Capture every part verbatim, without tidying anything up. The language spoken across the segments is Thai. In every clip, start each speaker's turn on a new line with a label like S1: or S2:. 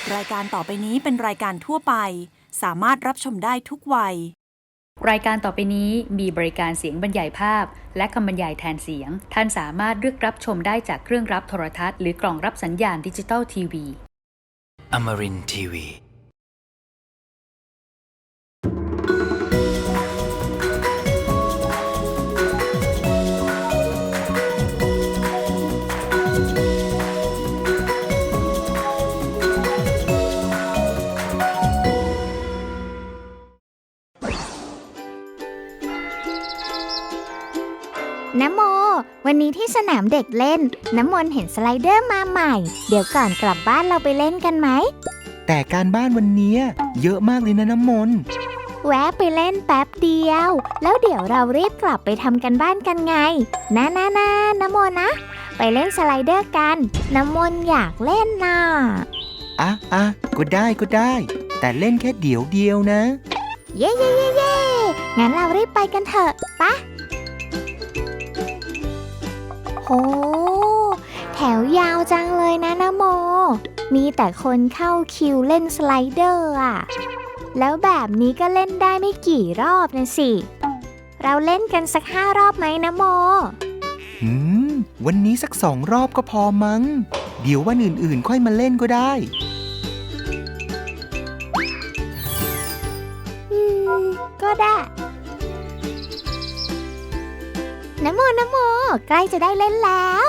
S1: รายการต่อไปนี้เป็นรายการทั่วไปสามารถรับชมได้ทุกวัย
S2: รายการต่อไปนี้มีบริการเสียงบรรยายภาพและคำบรรยายแทนเสียงท่านสามารถเลือกรับชมได้จากเครื่องรับโทรทัศน์หรือกล่องรับสัญญาณดิจิตอลทีวี
S3: Amarin ที วี
S4: น้ำโมวันนี้ที่สนามเด็กเล่นน้ำมนต์เห็นสไลเดอร์มาใหม่เดี๋ยวก่อนกลับบ้านเราไปเล่นกันไหม
S5: แต่การบ้านวันนี้เยอะมากเลยนะน้ำมนต์
S4: แวะไปเล่นแป๊บเดียวแล้วเดี๋ยวเรารีบกลับไปทำกันบ้านกันไงนะนะนะน้ำโมนะไปเล่นสไลเดอร์กันน้ำมนต์อยากเล่นน่ะ
S5: อ่ะอ่ะก็ได้ก็ได้แต่เล่นแค่เดี๋ยวเดียวนะ
S4: เย่เย่เย่เย่งั้นเรารีบไปกันเถอะปะโหแถวยาวจังเลยนะนะโมมีแต่คนเข้าคิวเล่นสไลเดอร์อ่ะแล้วแบบนี้ก็เล่นได้ไม่กี่รอบนะสิเราเล่นกันสักห้ารอบไหมนะโม
S5: หืมวันนี้สักสองรอบก็พอมั้งเดี๋ยววันอื่นๆค่อยมาเล่นก็ได้
S4: อืมก็ได้นะโมนะโมใกล้จะได้เล่นแล้ว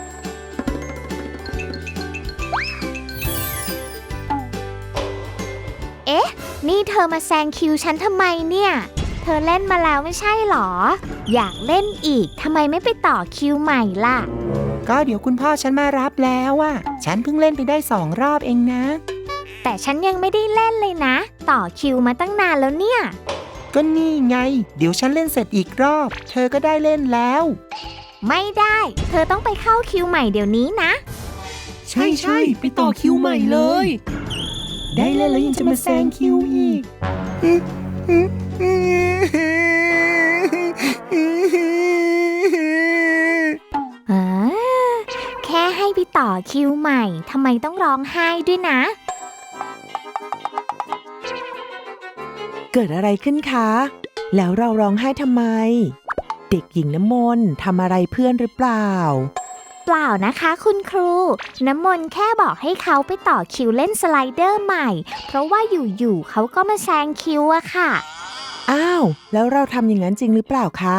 S4: เอ๊ะนี่เธอมาแซงคิวฉันทำไมเนี่ยเธอเล่นมาแล้วไม่ใช่หรออยากเล่นอีกทำไมไม่ไปต่อคิวใหม่ล่ะ
S5: ก็เดี๋ยวคุณพ่อฉันมารับแล้วอ่ะฉันเพิ่งเล่นไปได้สองรอบเองนะ
S4: แต่ฉันยังไม่ได้เล่นเลยนะต่อคิวมาตั้งนานแล้วเนี่ย
S5: ก็นี่ไงเดี๋ยวฉันเล่นเสร็จอีกรอบเธอก็ได้เล่นแล้ว
S4: ไม่ได้เธอต้องไปเข้าคิวใหม่เดี๋ยวนี้นะ
S5: ใช่ใช่ไปต่อคิวใหม่เลยได้เล่นแล้วยังจะมาแซงคิวอีก
S4: อ่าแค่ให้ไปต่อคิวใหม่ทำไมต้องร้องไห้ด้วยนะ
S6: เกิดอะไรขึ้นคะแล้วเราร้องไห้ทำไมเด็กหญิงน้ำมนต์ทำอะไรเพื่อนหรือเปล่า
S4: เปล่านะคะคุณครูน้ำมนต์แค่บอกให้เขาไปต่อคิวเล่นสไลเดอร์ใหม่เพราะว่าอยู่ๆเขาก็มาแซงคิวอะค่ะ
S6: อ้าวแล้วเราทำอย่างนั้นจริงหรือเปล่าคะ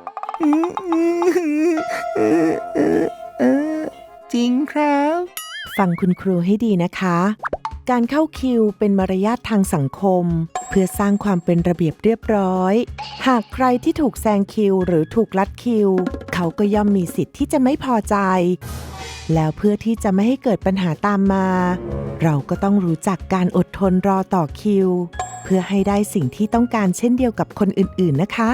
S5: จริงครับ
S6: ฟังคุณครูให้ดีนะคะการเข้าคิวเป็นมารยาททางสังคมเพื่อสร้างความเป็นระเบียบเรียบร้อยหากใครที่ถูกแซงคิวหรือถูกลัดคิวเขาก็ย่อมมีสิทธิ์ที่จะไม่พอใจแล้วเพื่อที่จะไม่ให้เกิดปัญหาตามมาเราก็ต้องรู้จักการอดทนรอต่อคิวเพื่อให้ได้สิ่งที่ต้องการเช่นเดียวกับคนอื่นๆนะคะ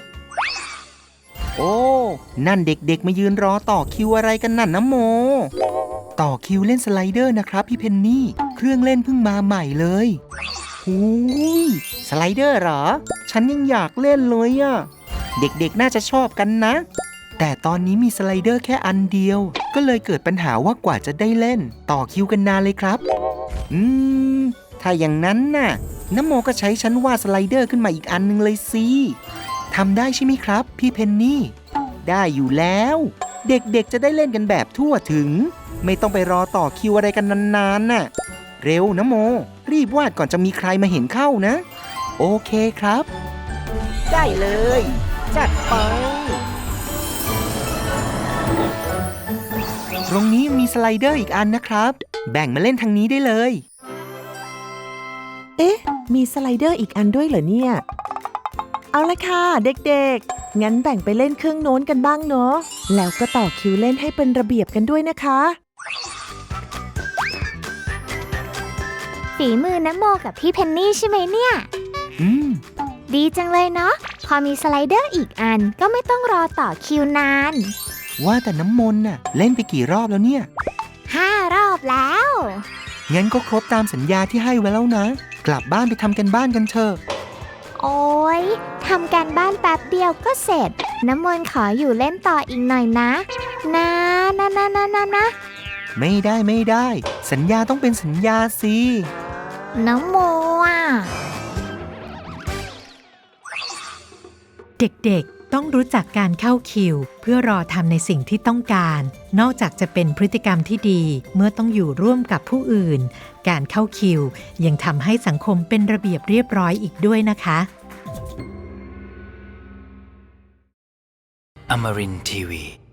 S5: โอ้นั่นเด็กๆมายืนรอต่อคิวอะไรกันนั่นนะโมต่อคิวเล่นสไลเดอร์นะครับพี่เพนนี่เครื่องเล่นเพิ่งมาใหม่เลยหูยสไลเดอร์เหรอฉันยังอยากเล่นเลยอะเด็กๆน่าจะชอบกันนะแต่ตอนนี้มีสไลเดอร์แค่อันเดียวก็เลยเกิดปัญหาว่ากว่าจะได้เล่นต่อคิวกันนานเลยครับอืมถ้าอย่างนั้นน่ะน้ำโมก็ใช้ฉันวาดสไลเดอร์ขึ้นมาอีกอันนึงเลยสิทำได้ใช่ไหมครับพี่เพนนี่ได้อยู่แล้วเด็กๆจะได้เล่นกันแบบทั่วถึงไม่ต้องไปรอต่อคิวอะไรกันนานๆน่ะเร็วนะโมรีบวาดก่อนจะมีใครมาเห็นเข้านะโอเคครับได้เลยจัดไปตรงนี้มีสไลเดอร์อีกอันนะครับแบ่งมาเล่นทางนี้ได้เลย
S6: เอ๊ะมีสไลเดอร์อีกอันด้วยเหรอเนี่ยเอาละค่ะเด็กๆงั้นแบ่งไปเล่นเครื่องโน้นกันบ้างเนาะแล้วก็ต่อคิวเล่นให้เป็นระเบียบกันด้วยนะคะ
S4: ฝีมือน้ำโมกับพี่เพนนี่ใช่ไหมเนี่ย
S5: อืม
S4: ดีจังเลยเนาะพอมีสไลเดอร์อีกอันก็ไม่ต้องรอต่อคิวนาน
S5: ว่าแต่น้ำมนต์น่ะเล่นไปกี่รอบแล้วเนี่ย
S4: ห้ารอบแล้ว
S5: งั้นก็ครบตามสัญญาที่ให้ไว้แล้วนะกลับบ้านไปทำกันบ้านกันเถอะ
S4: โอ๊ยทำการบ้านแป๊บเดียวก็เสร็จน้ำมนต์ขออยู่เล่นต่ออีกหน่อยนะนะนะนะนะนะนะ
S5: ไม่ได้ไม่ได้สัญญาต้องเป็นสัญญาสิ
S4: น้ำโมอ่ะ
S7: เด็กๆ ต้องรู้จักการเข้าคิวเพื่อรอทำในสิ่งที่ต้องการ นอกจากจะเป็นพฤติกรรมที่ดีเมื่อต้องอยู่ร่วมกับผู้อื่น การเข้าคิวยังทำให้สังคมเป็นระเบียบเรียบร้อยอีกด้วยนะคะ
S3: Amarin Tiwi